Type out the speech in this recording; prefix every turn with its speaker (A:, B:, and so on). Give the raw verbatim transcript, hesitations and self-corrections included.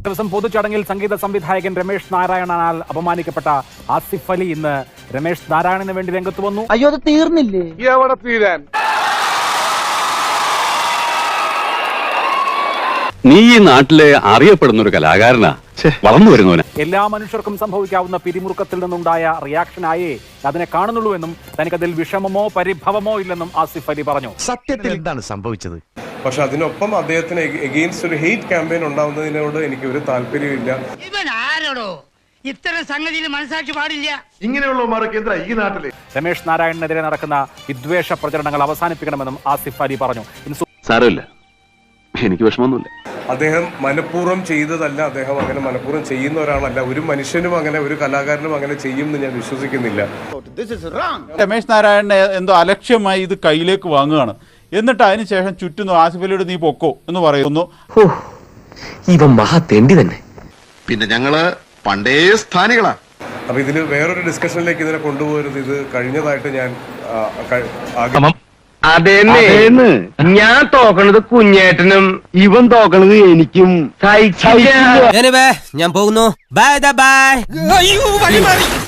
A: ദിവസം പൊതുചടങ്ങിൽ സംഗീത സംവിധായകൻ രമേശ് നാരായണനാൽ അപമാനിക്കപ്പെട്ട ആസിഫ് അലി ഇന്ന് രമേശ് നാരായണന് വേണ്ടി രംഗത്ത് വന്നു.
B: അയ്യോ അത് തീർന്നില്ലേ?
C: എവിടെ തീരാൻ?
D: നീ ഈ നാട്ടിലെ അറിയപ്പെടുന്ന ഒരു കലാകാരനാ, വളർന്നു വരുന്നവനാ.
A: എല്ലാ മനുഷ്യർക്കും സംഭവിക്കാവുന്ന പിരിമുറുക്കത്തിൽ നിന്നുണ്ടായ റിയാക്ഷനായേ അതിനെ കാണുന്നുള്ളൂ എന്നും തനിക്കതിൽ വിഷമമോ പരിഭവമോ ഇല്ലെന്നും ആസിഫ് അലി പറഞ്ഞു.
E: സത്യത്തിൽ എന്താണ് സംഭവിച്ചത്?
C: പക്ഷെ അതിനൊപ്പം അദ്ദേഹത്തിന് എഗെയിൻസ്റ്റ് ഒരു ഹെയ്റ്റ് ക്യാമ്പയിൻ ഉണ്ടാവുന്നതിനോട് എനിക്ക് ഒരു താല്പര്യമില്ല.
F: ഇവൻ ആരോടോ ഇത്തരം സംഗതിയിൽ മനസ്സാക്ഷി പാടില്ല.
C: ഇങ്ങനെയുള്ളവർക്ക് എന്താ ഈ നാട്ടില്?
A: രമേശ് നാരായണനെതിരെ നടക്കുന്ന വിദ്വേഷ പ്രചരണങ്ങൾ അവസാനിപ്പിക്കണമെന്നും ആസിഫ് അലി പറഞ്ഞു.
D: സാരമില്ല, എനിക്ക് വിഷമമൊന്നുമില്ല.
C: അദ്ദേഹം മനഃപൂർവ്വം ചെയ്തതല്ല, അദ്ദേഹം അങ്ങനെ മനഃപൂർവ്വം ചെയ്യുന്ന ഒരാളല്ല. ഒരു മനുഷ്യനും അങ്ങനെ ഒരു കലാകാരനും അങ്ങനെ ചെയ്യും എന്ന് ഞാൻ വിശ്വസിക്കുന്നില്ല.
G: രമേശ് നാരായണനെ എന്തോ അലക്ഷ്യമായി ഇത് കയ്യിലേക്ക് വാങ്ങുകയാണ്. എന്നിട്ട് അതിനുശേഷം ചുറ്റുന്നു ആസിഫ് അലിയോട് നീ പൊക്കോ എന്ന് പറയുന്നു.
E: ഇവൻ മഹാ തെണ്ടി തന്നെ. പിന്നെ ഞങ്ങള് പണ്ടേ സ്ഥാനികളാ.
C: അപ്പൊ ഇതിന് വേറൊരു ഡിസ്കഷനിലേക്ക് ഇതിനെ കൊണ്ടുപോകരുത്. ഇത് കഴിഞ്ഞതായിട്ട് ഞാൻ
H: അതെന്ന് ഞാൻ തോക്കണത് കുഞ്ഞേട്ടനും ഇവൻ തോക്കണത് എനിക്കും.
B: ഞാൻ പോകുന്നു. Bye by.